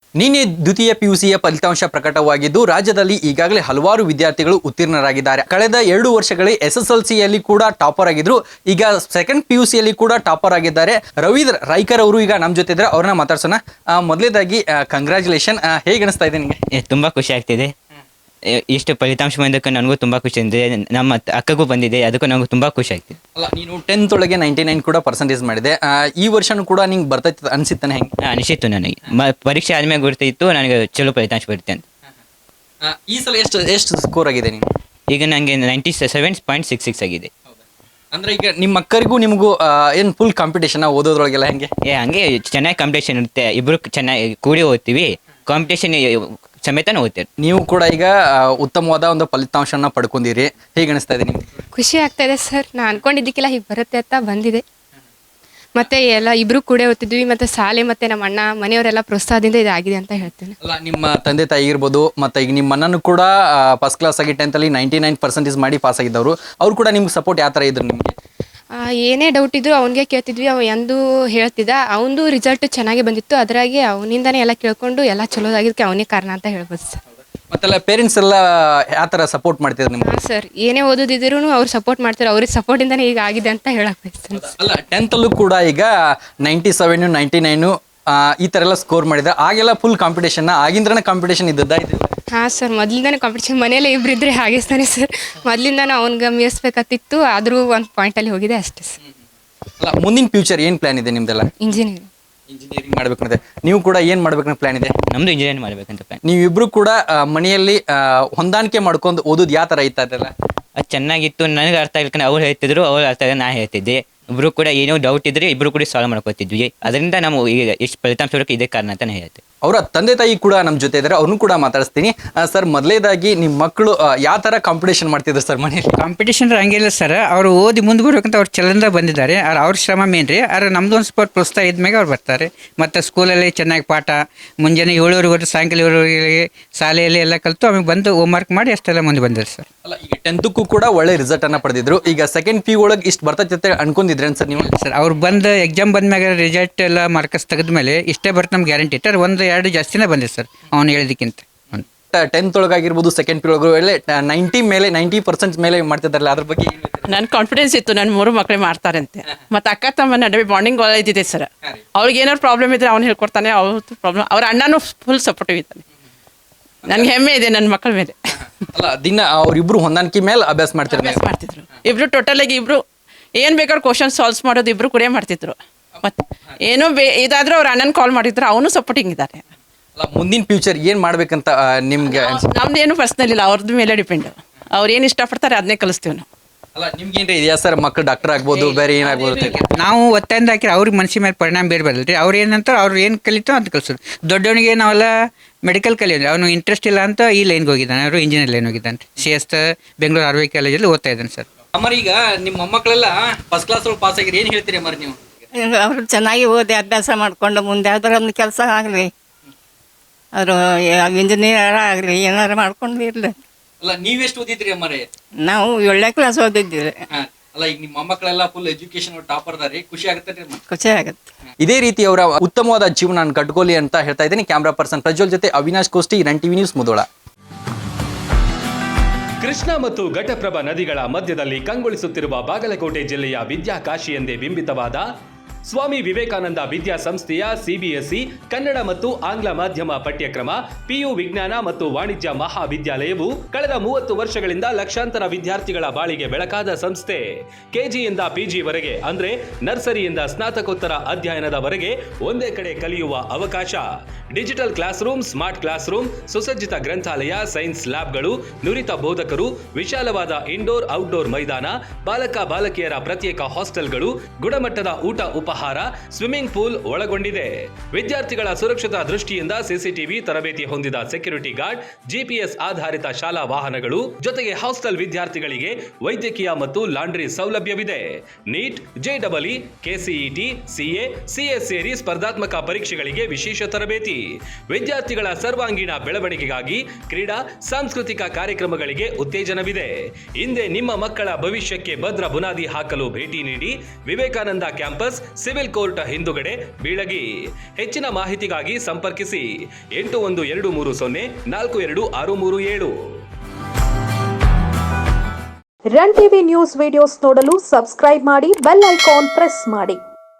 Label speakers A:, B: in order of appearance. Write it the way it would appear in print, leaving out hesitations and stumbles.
A: ನಿನ್ನೆ ದ್ವಿತೀಯ ಪಿಯುಸಿಯ ಫಲಿತಾಂಶ ಪ್ರಕಟವಾಗಿದ್ದು ರಾಜ್ಯದಲ್ಲಿ ಈಗಾಗಲೇ ಹಲವಾರು ವಿದ್ಯಾರ್ಥಿಗಳು ಉತ್ತೀರ್ಣರಾಗಿದ್ದಾರೆ. ಕಳೆದ 2 ವರ್ಷಗಳಲ್ಲಿ SSLCಯಲ್ಲಿ ಕೂಡ ಟಾಪರ್ ಆಗಿದ್ರು. ಈಗ ಸೆಕೆಂಡ್ ಪಿಯುಸಿಯಲ್ಲಿ ಕೂಡ ಟಾಪರ್ ಆಗಿದ್ದಾರೆ. ರವೀಂದ್ರ ರಾಯ್ಕರ್ ಅವರು ಈಗ ನಮ್ಮ ಜೊತೆ ಇದ್ದಾರೆ. ಅವ್ರನ್ನ ಮಾತಾಡ್ಸೋಣ. ಮೊದಲೇದಾಗಿ ಕಂಗ್ರ್ಯಾಚುಲೇಷನ್. ಹೇಗೆ ಅನಿಸ್ತಾ ಇದೆ ನಿಮಗೆ?
B: ತುಂಬ ಖುಷಿ ಆಗ್ತಿದೆ. ಇಷ್ಟು ಫಲಿತಾಂಶ ಬಂದಕ್ಕೆ ನನಗೂ ತುಂಬ ಖುಷಿ ಇದೆ. ನಮ್ಮ ಅಕ್ಕಗೂ ಬಂದಿದೆ, ಅದಕ್ಕೂ ನನಗೂ ತುಂಬ ಖುಷಿ ಆಗ್ತಿದೆ.
A: ಅಲ್ಲ, ನೀನು 10th ಒಳಗೆ 99 ಕೂಡ ಪರ್ಸೆಂಟೇಜ್ ಮಾಡಿದೆ. ಈ ವರ್ಷನೂ ಕೂಡ ನಿಂಗೆ ಬರ್ತೈತೆ ಅನಿಸಿತ್ತಾನೆ? ಹೆಂಗೆ
B: ಅನಿಸಿತ್ತು ನನಗೆ. ಪರೀಕ್ಷೆ ಆದ್ಮೇಲೆ ಗೊತ್ತಿತ್ತು ನನಗೆ ಚಲೋ ಫಲಿತಾಂಶ ಬರುತ್ತೆ ಅಂತ.
A: ಈ ಸಲ ಎಷ್ಟು ಸ್ಕೋರ್ ಆಗಿದೆ ನೀನು?
B: ಈಗ ನನಗೆ 97.66 ಆಗಿದೆ.
A: ಅಂದ್ರೆ ಈಗ ನಿಮ್ಮ ಅಕ್ಕರಿಗೂ ನಿಮಗೂ ಏನು ಫುಲ್ ಕಾಂಪಿಟೇಷನ್ ಓದೋದ್ರೊಳಗೆಲ್ಲ ಹೆಂಗೆ?
B: ಹಂಗೆ ಚೆನ್ನಾಗಿ ಕಾಂಪಿಟೇಷನ್ ಇರುತ್ತೆ. ಇಬ್ಬರು ಚೆನ್ನಾಗಿ ಕೂಡಿ ಓದ್ತೀವಿ, ಕಾಂಪಿಟೇಷನ್ ಸಮೇತನೇ ಓದ್ತೀವಿ.
A: ನೀವು ಕೂಡ ಈಗ ಉತ್ತಮವಾದ ಒಂದು ಫಲಿತಾಂಶನ ಪಡ್ಕೊಂಡಿರಿ. ಹೇಗೆ ಅನಿಸ್ತಾ ಇದೆ ನಿಮ್ಗೆ?
C: ಖುಷಿ ಆಗ್ತಾ ಇದೆ ಸರ್. ನಾನು ಅನ್ಕೊಂಡಿದ್ದಕ್ಕೆಲ್ಲ ಹೀಗೆ ಬರುತ್ತೆ ಅಂತ ಬಂದಿದೆ. ಮತ್ತೆ ಎಲ್ಲ ಇಬ್ರು ಕೂಡ ಓದ್ತಿದ್ವಿ, ಮತ್ತೆ ಶಾಲೆ ಮತ್ತೆ ನಮ್ಮ ಅಣ್ಣ ಮನೆಯವರೆಲ್ಲ ಪ್ರೋತ್ಸಾಹದಿಂದ ಇದಾಗಿದೆ ಅಂತ ಹೇಳ್ತೇನೆ.
A: ಅಲ್ಲ, ನಿಮ್ಮ ತಂದೆ ತಾಯಿ ಇರ್ಬೋದು, ಮತ್ತೆ ಈಗ ನಿಮ್ಮ ಅಣ್ಣನೂ ಕೂಡ ಫಸ್ಟ್ ಕ್ಲಾಸ್ ಆಗಿ 10th ಅಲ್ಲಿ 99% ಮಾಡಿ ಪಾಸ್ ಆಗಿದ್ದವರು. ಅವ್ರು ಕೂಡ ನಿಮ್ಗೆ ಸಪೋರ್ಟ್ ಯಾವ ಥರ ಇದ್ರು ನಿಮಗೆ?
C: ಏನೇ ಡೌಟ್ ಇದ್ರು ಅವನಿಗೆ ಕೇಳ್ತಿದ್ವಿ, ಅವ ಎಂದು ಹೇಳ್ತಿದ್ದ. ಅವನದು ರಿಸಲ್ಟ್ ಚೆನ್ನಾಗಿ ಬಂದಿತ್ತು, ಅದರಾಗಿ ಅವನಿಂದನೇ ಎಲ್ಲ ಕೇಳ್ಕೊಂಡು ಎಲ್ಲ ಚಲೋದಾಗಿದ್ದಕ್ಕೆ ಅವನೇ ಕಾರಣ ಅಂತ ಹೇಳ್ಬೋದು ಸರ್.
A: ಮತ್ತೆಲ್ಲ ಪೇರೆಂಟ್ಸ್ ಎಲ್ಲ ಯಾವ ಥರ ಸಪೋರ್ಟ್ ಮಾಡ್ತಿದ್ರು ನಿಮ್ಗೆ?
C: ಹಾಂ ಸರ್, ಏನೇ ಓದೋದಿದ್ರು ಅವ್ರು ಸಪೋರ್ಟ್ ಮಾಡ್ತಾರೆ. ಅವ್ರಿಗೆ ಸಪೋರ್ಟಿಂದನೇ ಈಗ ಆಗಿದೆ ಅಂತ ಹೇಳಕ್ ಬಯಸ್ತೇನೆ.
A: ಅಲ್ಲ, 10th ಅಲ್ಲೂ ಕೂಡ ಈಗ 97 99 ಈ ಥರ ಎಲ್ಲ ಸ್ಕೋರ್ ಮಾಡಿದ್ದಾರೆ. ಆಗೆಲ್ಲ ಫುಲ್ ಕಾಂಪಿಟೇಷನ್, ಆಗಿಂದ್ರನೇ ಕಾಂಪಿಟೇಷನ್ ಇದ್ದದ್ದಾ ಇದು?
C: ಹಾಂ ಸರ್, ಮೊದಲಿಂದಾನೇ ಕಾಂಪಿಟೇಷನ್. ಮನೇಲಿ ಇಬ್ಬರಿದ್ರೆ ಹಾಗೇಸ್ತಾನೆ ಸರ್. ಮೊದಲಿಂದಾನು ಅವ್ನಿಗೆ ಮೀರಿಸ್ಬೇಕತ್ತಿತ್ತು, ಆದರೂ ಒಂದು ಪಾಯಿಂಟಲ್ಲಿ ಹೋಗಿದೆ ಅಷ್ಟೇ ಸರ್.
A: ಅಲ್ಲ, ಮುಂದಿನ ಫ್ಯೂಚರ್ ಏನು ಪ್ಲಾನ್ ಇದೆ ನಿಮ್ದೆಲ್ಲ?
C: ಇಂಜಿನಿಯರಿಂಗ್
A: ಮಾಡ್ಬೇಕಂತೆ. ನೀವು ಕೂಡ ಏನು ಮಾಡ್ಬೇಕಂತ ಪ್ಲಾನ್ ಇದೆ?
B: ನಮ್ಮದು ಇಂಜಿನಿಯರಿಂಗ್ ಮಾಡಬೇಕಂತ ಪ್ಲಾನ್.
A: ನೀವಿಬ್ರು ಕೂಡ ಮನೆಯಲ್ಲಿ ಹೊಂದಾಣಿಕೆ ಮಾಡ್ಕೊಂಡು ಓದೋದು ಯಾವ ಥರ ಇತ್ತು ಅದೆಲ್ಲ?
B: ಅದು ಚೆನ್ನಾಗಿತ್ತು. ನನಗೆ ಅರ್ಥ ಆಗ್ಲಿಕ್ಕೆ ಅವ್ರು ಹೇಳ್ತಿದ್ರು, ಅವ್ರು ಅರ್ಥ ಆಗ ನಾ ಹೇಳ್ತಿದ್ದೆ. ಇಬ್ಬರು ಕೂಡ ಏನೋ ಡೌಟ್ ಇದ್ರೆ ಇಬ್ಬರು ಕೂಡ ಸಾಲ್ವ್ ಮಾಡ್ಕೊತಿದ್ವಿ. ಅದರಿಂದ ನಾವು ಈಗ ಎಷ್ಟು ಫಲಿತಾಂಶ ಬರೋಕ್ಕೆ ಇದೇ ಕಾರಣ ಅಂತಾನೆ ಹೇಳ್ತೆ.
A: ಅವರ ತಂದೆ ತಾಯಿ ಕೂಡ ನಮ್ಮ ಜೊತೆ ಇದ್ದಾರೆ, ಅವ್ರನ್ನೂ ಕೂಡ ಮಾತಾಡಿಸ್ತೀನಿ. ಸರ್, ಮೊದಲೇದಾಗಿ ನಿಮ್ಮ ಮಕ್ಕಳು ಯಾವ ಥರ ಕಾಂಪಿಟೇಷನ್ ಮಾಡ್ತಿದ್ರು ಸರ್ ಮನೆಯಲ್ಲಿ?
D: ಕಾಂಪಿಟೇಷನ್ ಹಂಗಿಲ್ಲ ಸರ್. ಅವರು ಓದಿ ಮುಂದೆ ಬರ್ಬೇಕಂತ ಅವ್ರು ಚಲಂದ ಬಂದಿದ್ದಾರೆ. ಅವ್ರ ಶ್ರಮ ಮೇನ್ ರೀ. ಆದ್ರೆ ನಮ್ದು ಒಂದು ಸ್ಪೋರ್ಟ್ ಪ್ರೋತ್ಸಾಹ ಇದ್ಮೇಲೆ ಅವ್ರು ಬರ್ತಾರೆ. ಮತ್ತು ಸ್ಕೂಲಲ್ಲಿ ಚೆನ್ನಾಗಿ ಪಾಠ ಮುಂಜಾನೆ 7:30 ಸಾಯಂಕಾಲ 7:00 ಶಾಲೆಯಲ್ಲಿ ಎಲ್ಲ ಕಲಿತು ಆಮೇಲೆ ಬಂದು ಹೋಮ್ವರ್ಕ್ ಮಾಡಿ ಅಷ್ಟೆಲ್ಲ ಮುಂದೆ ಬಂದಿದ್ದಾರೆ ಸರ್.
A: ಅಲ್ಲ, ಈಗ 10th ಕೂಡ ಒಳ್ಳೆ ರಿಸಲ್ಟ್ ಅನ್ನ ಪಡೆದಿದ್ರು. ಈಗ ಸೆಕೆಂಡ್ ಪಿ ಒಳಗೆ ಇಷ್ಟು ಬರ್ತೈತೆ ಅನ್ಕೊಂಡಿದ್ರೇನು ಸರ್ ನೀವು?
D: ಸರ್, ಅವ್ರು ಬಂದು ಎಕ್ಸಾಮ್ ಬಂದ್ಮ್ಯಾಗ ರಿಸಲ್ಟ್ ಎಲ್ಲ ಮಾರ್ಕಸ್ ತೆಗೆದ್ಮೇಲೆ ಇಷ್ಟೇ ಬರುತ್ತೆ ನಮ್ಗೆ ಗ್ಯಾರಂಟಿ ಇಟ್ಟು 1-2 ಜಾಸ್ತಿನೇ ಬಂದಿದೆ ಸರ್ ಅವ್ನು ಹೇಳಿದಕ್ಕಿಂತ.
A: 10th ಒಳಗಾಗಿರ್ಬೋದು, ಸೆಕೆಂಡ್ ಪಿ ಒಳಗೆ 90% ಮೇಲೆ ಮಾಡ್ತಿದ್ದಾರಲ್ಲ, ಅದ್ರ ಬಗ್ಗೆ
E: ನನ್ನ ಕಾನ್ಫಿಡೆನ್ಸ್ ಇತ್ತು ನನ್ನ 3 ಮಕ್ಕಳೇ ಮಾಡ್ತಾರಂತೆ. ಮತ್ತು ಅಕ್ಕ ತಮ್ಮ ನಡುವೆ ಬಾಂಡಿಂಗ್ ಒಳ್ಳೆದಿದೆ ಸರ್. ಅವ್ರಿಗೆ ಏನಾದ್ರು ಪ್ರಾಬ್ಲಮ್ ಇದ್ರೆ ಅವ್ನು ಹೇಳ್ಕೊಡ್ತಾನೆ, ಅವ್ರದ್ದು ಪ್ರಾಬ್ಲಮ್ ಅವ್ರ ಅಣ್ಣನೂ ಫುಲ್ ಸಪೋರ್ಟಿವ್ ಇದ್ದಾನೆ. ನನಗೆ ಹೆಮ್ಮೆ ಇದೆ ನನ್ನ ಮಕ್ಕಳ ಮೇಲೆ.
A: ಅಲ್ಲ, ದಿನ ಅವ್ರಿಬ್ರು ಹೊಂದಾಣಿಕೆ ಮೇಲೆ ಅಭ್ಯಾಸ
E: ಮಾಡ್ತಿದ್ರು. ಇಬ್ರು ಟೋಟಲ್ ಆಗಿ ಇಬ್ರು ಏನು ಬೇಕಾದ್ರೂ ಕ್ವಶನ್ ಸಾಲ್ವ್ಸ್ ಮಾಡೋದು ಇಬ್ರು ಕೂಡ ಮಾಡ್ತಿದ್ರು. ಮತ್ತು ಏನೋ ಇದಾದ್ರೂ ಅವ್ರ ಅಣ್ಣನ ಕಾಲ್ ಮಾಡಿದ್ರು, ಅವನು ಸಪೋರ್ಟಿಂಗ್ ಇದ್ದಾರೆ.
A: ಅಲ್ಲ, ಮುಂದಿನ ಫ್ಯೂಚರ್ ಏನು ಮಾಡ್ಬೇಕಂತ ನಿಮ್ಗೆ?
E: ನಮ್ದು ಏನು ಪರ್ಸ್ನಲ್ ಇಲ್ಲ, ಅವ್ರದ್ದು ಮೇಲೆ ಡಿಪೆಂಡ್. ಅವ್ರು ಏನು ಇಷ್ಟಪಡ್ತಾರೆ ಅದನ್ನೇ ಕಲಿಸ್ತೀವಿ ನಾವು.
A: ಅಲ್ಲ, ನಿಮ್ಗೇನ್ರಿ ಇದೆಯಾ ಸರ್, ಮಕ್ಕಳು ಡಾಕ್ಟರ್ ಆಗ್ಬೋದು, ಬೇರೆ ಏನಾಗ್ಬೋದು?
D: ನಾವು ಒತ್ತಾಯಿಂದ ಹಾಕಿದ್ರೆ ಅವ್ರಿಗೆ ಮನಸ್ಸಿನ ಮೇಲೆ ಪರಿಣಾಮ ಬೀರ್ಬಾರ್ದು ರೀ. ಅವ್ರು ಏನಂತಾರೆ, ಅವ್ರು ಏನು ಕಲಿತೋ ಅಂತ ಕಲಿಸೋದು. ದೊಡ್ಡವನಿಗೆ ನಾವೆಲ್ಲ ಮೆಡಿಕಲ್ ಕಲಿಯೋದು, ಅವನು ಇಂಟ್ರೆಸ್ಟ್ ಇಲ್ಲ ಅಂತ ಈ ಲೈನ್ಗೆ ಹೋಗಿದ್ದಾನೆ. ಅವರು ಇಂಜಿನಿಯರ್ ಲೈನ್ ಹೋಗಿದ್ದಾನೆ. CS ಬೆಂಗಳೂರು RV ಕಾಲೇಜಲ್ಲಿ ಓದ್ತಾ ಇದ್ದಾನೆ ಸರ್.
A: ಅಮ್ಮರ, ಈಗ ನಿಮ್ಮ ಮೊಮ್ಮಕ್ಕಳೆಲ್ಲ ಫಸ್ಟ್ ಕ್ಲಾಸ್ ಒಳಗೆ ಪಾಸ್ ಆಗಿರಿ, ಏನು ಹೇಳ್ತೀರಿ ಅಮ್ಮರ ನೀವು?
F: ಅವರು ಚೆನ್ನಾಗಿ ಓದಿ ಅಭ್ಯಾಸ ಮಾಡಿಕೊಂಡು ಮುಂದೆ ಯಾವ್ದಾರ ಒಂದು ಕೆಲಸ ಆಗಲಿ, ಅವರು ಇಂಜಿನಿಯರ್ ಆಗಲಿ, ಏನಾರು ಮಾಡ್ಕೊಂಡು ಇರಲಿ.
A: ಅಲ್ಲ, ನೀವೆಷ್ಟು ಓದಿದ್ರಿ ಅಮ್ಮರೇ?
F: ನಾವು 7ನೇ ಕ್ಲಾಸ್ ಓದಿದ್ದೀವಿ.
A: ಅಲ್ಲ, ಈಗ ನಿಮ್ಮ ಮೊಮ್ಮಕ್ಕಳೆಲ್ಲ ಫುಲ್ ಎಜುಕೇಶನ್ ಟಾಪರ್ ಅದಾರಿ, ಖುಷಿ ಆಗುತ್ತೆ?
F: ಖುಷಿ ಆಗುತ್ತೆ.
A: ಇದೇ ರೀತಿ ಅವರ ಉತ್ತಮವಾದ ಜೀವನ ಕಟ್ಕೋಲಿ ಅಂತ ಹೇಳ್ತಾ ಇದ್ದೀನಿ. ಕ್ಯಾಮ್ರಾ ಪರ್ಸನ್ ಪ್ರಜ್ವಲ್ ಜೊತೆ Avinash Kosti, run TV news, Mudhol.
G: Krishna ಮತ್ತು ಘಟಪ್ರಭಾ ನದಿಗಳ ಮಧ್ಯದಲ್ಲಿ ಕಂಗೊಳಿಸುತ್ತಿರುವ ಬಾಗಲಕೋಟೆ ಜಿಲ್ಲೆಯ ವಿದ್ಯಾಕಾಶಿ ಎಂದೇ ಬಿಂಬಿತವಾದ ಸ್ವಾಮಿ ವಿವೇಕಾನಂದ ವಿದ್ಯಾಸಂಸ್ಥೆಯ CBSE ಕನ್ನಡ ಮತ್ತು ಆಂಗ್ಲ ಮಾಧ್ಯಮ ಪಠ್ಯಕ್ರಮ PU ವಿಜ್ಞಾನ ಮತ್ತು ವಾಣಿಜ್ಯ ಮಹಾವಿದ್ಯಾಲಯವು ಕಳೆದ 30 ವರ್ಷಗಳಿಂದ ಲಕ್ಷಾಂತರ ವಿದ್ಯಾರ್ಥಿಗಳ ಬಾಳಿಗೆ ಬೆಳಕಾದ ಸಂಸ್ಥೆ. KGಯಿಂದ PG ವರೆಗೆ ಅಂದ್ರೆ ನರ್ಸರಿಯಿಂದ ಸ್ನಾತಕೋತ್ತರ ಅಧ್ಯಯನದವರೆಗೆ ಒಂದೇ ಕಡೆ ಕಲಿಯುವ ಅವಕಾಶ. Digital classroom, smart classroom, ಸುಸಜ್ಜಿತ ಗ್ರಂಥಾಲಯ, ಸೈನ್ಸ್ ಲ್ಯಾಬ್ಗಳು, ನುರಿತ ಬೋಧಕರು, ವಿಶಾಲವಾದ ಇಂಡೋರ್ ಔಟ್ಡೋರ್ ಮೈದಾನ, ಬಾಲಕ ಬಾಲಕಿಯರ ಪ್ರತ್ಯೇಕ ಹಾಸ್ಟೆಲ್ಗಳು, ಗುಣಮಟ್ಟದ ಊಟ ಉಪಹಾರ, ಸ್ವಿಮ್ಮಿಂಗ್ ಪೂಲ್ ಒಳಗೊಂಡಿದೆ. ವಿದ್ಯಾರ್ಥಿಗಳ ಸುರಕ್ಷತಾ ದೃಷ್ಟಿಯಿಂದ CCTV ತರಬೇತಿ ಹೊಂದಿದ ಸೆಕ್ಯೂರಿಟಿ ಗಾರ್ಡ್, GPS ಆಧಾರಿತ ಶಾಲಾ ವಾಹನಗಳು, ಜೊತೆಗೆ ಹಾಸ್ಟೆಲ್ ವಿದ್ಯಾರ್ಥಿಗಳಿಗೆ ವೈದ್ಯಕೀಯ ಮತ್ತು ಲಾಂಡ್ರಿ ಸೌಲಭ್ಯವಿದೆ. NEET, JEE, KCET, CA, CS ಸೇರಿ ಸ್ಪರ್ಧಾತ್ಮಕ ಪರೀಕ್ಷೆಗಳಿಗೆ ವಿಶೇಷ ತರಬೇತಿ. ವಿದ್ಯಾರ್ಥಿಗಳ ಸರ್ವಾಂಗೀಣ ಬೆಳವಣಿಗೆಗಾಗಿ ಕ್ರೀಡಾ, ಸಾಂಸ್ಕೃತಿಕ ಕಾರ್ಯಕ್ರಮಗಳಿಗೆ ಉತ್ತೇಜನವಿದೆ. ಹಿಂದೆ ನಿಮ್ಮ ಮಕ್ಕಳ ಭವಿಷ್ಯಕ್ಕೆ ಭದ್ರ ಬುನಾದಿ ಹಾಕಲು ಭೇಟಿ ನೀಡಿ. ವಿವೇಕಾನಂದ ಕ್ಯಾಂಪಸ್, ಸಿವಿಲ್ ಕೋರ್ಟ್ ಹಿಂದುಗಡೆ ಬೀಳಗಿ. ಹೆಚ್ಚಿನ ಮಾಹಿತಿಗಾಗಿ ಸಂಪರ್ಕಿಸಿ 8123042637.
H: ರನ್ ಟಿವಿ ನ್ಯೂಸ್ ವಿಡಿಯೋಸ್ ನೋಡಲು ಸಬ್ಸ್ಕ್ರೈಬ್ ಮಾಡಿ, ಬೆಲ್ ಐಕಾನ್ ಪ್ರೆಸ್ ಮಾಡಿ.